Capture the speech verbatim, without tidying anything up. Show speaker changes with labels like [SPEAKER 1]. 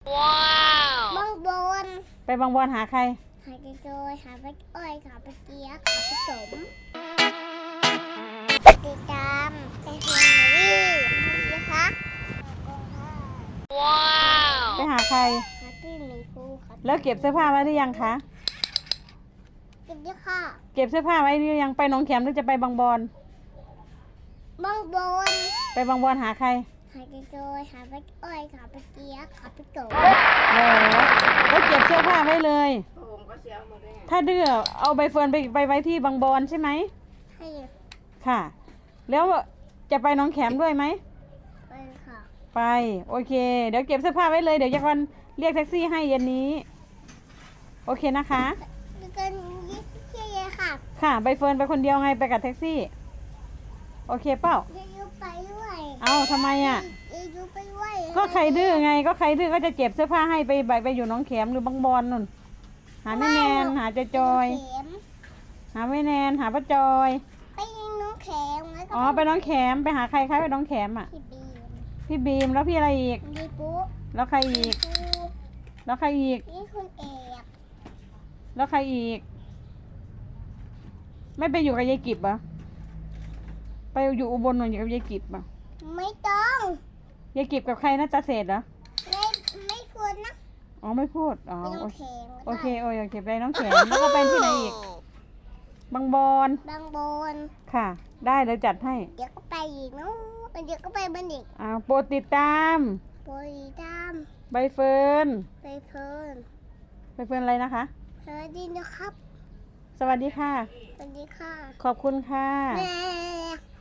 [SPEAKER 1] ว้าวบางบอน
[SPEAKER 2] ไปบางบอนหาใคร
[SPEAKER 1] หาเจอยหาไปอ้อยหาไปเกี๊ยกหาไปสมติดตามไปเฮนรี่นะคะว้าว
[SPEAKER 2] ไปหาใคร
[SPEAKER 1] หาพี่หมีภูครับ
[SPEAKER 2] แล้วเก็บเสื้อผ้าไว้หรือยังคะ
[SPEAKER 1] เก็บด้วยค่ะ
[SPEAKER 2] เก็บเสื้อผ้าไว้หรือยังไปหนองแขมหรือจะไปบางบอน
[SPEAKER 1] บางบอน
[SPEAKER 2] ไปบางบอนหาใคร
[SPEAKER 1] หาเจอยหาไปอ้อยหาไปเกี๊ยกหาไปสม
[SPEAKER 2] เออแล้วเก็บเสื้อผ้าไว้เลยถ้าดื้อเอาใบเฟิร์นไปไปไว้ที่บางบอนใช่ไหม
[SPEAKER 1] ใช่
[SPEAKER 2] ค่ะแล้วจะไปหนองแขมด้วยไหม
[SPEAKER 1] ไปค่ะ
[SPEAKER 2] ไปโอเคเดี๋ยวเก็บเสื้อผ้าไว้เลยเดี๋ยวจะวันเรียกแท็กซี่ให้เย็นนี้โอเคนะคะ
[SPEAKER 1] กันยี่เย่ค่ะ
[SPEAKER 2] ค่ะใบเฟิร์นไปคนเดียวไงไปกับแท็กซี่โอเคเปล่า
[SPEAKER 1] ยูไปด้วย
[SPEAKER 2] เอาทำไมอ่ะ
[SPEAKER 1] ยูไปด้วย
[SPEAKER 2] ก็ใครดื้อไงก็ใครดื้อก็จะเก็บเสื้อผ้าให้ไปไปไปอยู่หนองแขมหรือบางบอนนู่นหาแม่แนนหาเจจอยหาแม่แนนหาป้าจอย
[SPEAKER 1] ไปน้องแขม
[SPEAKER 2] อ๋อไปน้องแขมไปหาใครคะไปน้องแขมอ่ะ
[SPEAKER 1] พี่บีม
[SPEAKER 2] พี่บีมแล้วพี่อะไรอีก
[SPEAKER 1] พี่ปุ๊
[SPEAKER 2] แล้วใครอีกแล้วใครอีก
[SPEAKER 1] พี่คุณเอก
[SPEAKER 2] แล้วใครอีกไม่ไปอยู่กับยายกิบอ่ะไปอยู่อุบลหน่อยอยู่กับยายกิบอ่ะ
[SPEAKER 1] ไม่ต้อง
[SPEAKER 2] ยายกิบกับใครนะตาเศษเหรอ
[SPEAKER 1] ไม่ไม่พูดนะ
[SPEAKER 2] อ๋อไม่พูดอ๋อ
[SPEAKER 1] โอเค
[SPEAKER 2] โอเคโอ้ยโอเคไปน้องแขมแล้วก็ไปที่ไหนอีกบางบอน
[SPEAKER 1] บางบอน
[SPEAKER 2] ค่ะได้เดี๋ยวจัดให้
[SPEAKER 1] เดี๋ยวก็ไปอีกเนาะเดี๋ยวก็ไปบันอีก
[SPEAKER 2] อ่าโปรดติดตาม
[SPEAKER 1] โปรดติดตาม
[SPEAKER 2] ใบเฟิร์น
[SPEAKER 1] ใบเฟิร์น
[SPEAKER 2] ใบเฟิร์นอะไรนะคะ
[SPEAKER 1] สวัสดีนะครับ
[SPEAKER 2] สวัสดีค่ะ
[SPEAKER 1] สวัสดีค่ะ
[SPEAKER 2] ขอบคุณค่ะ
[SPEAKER 1] แม่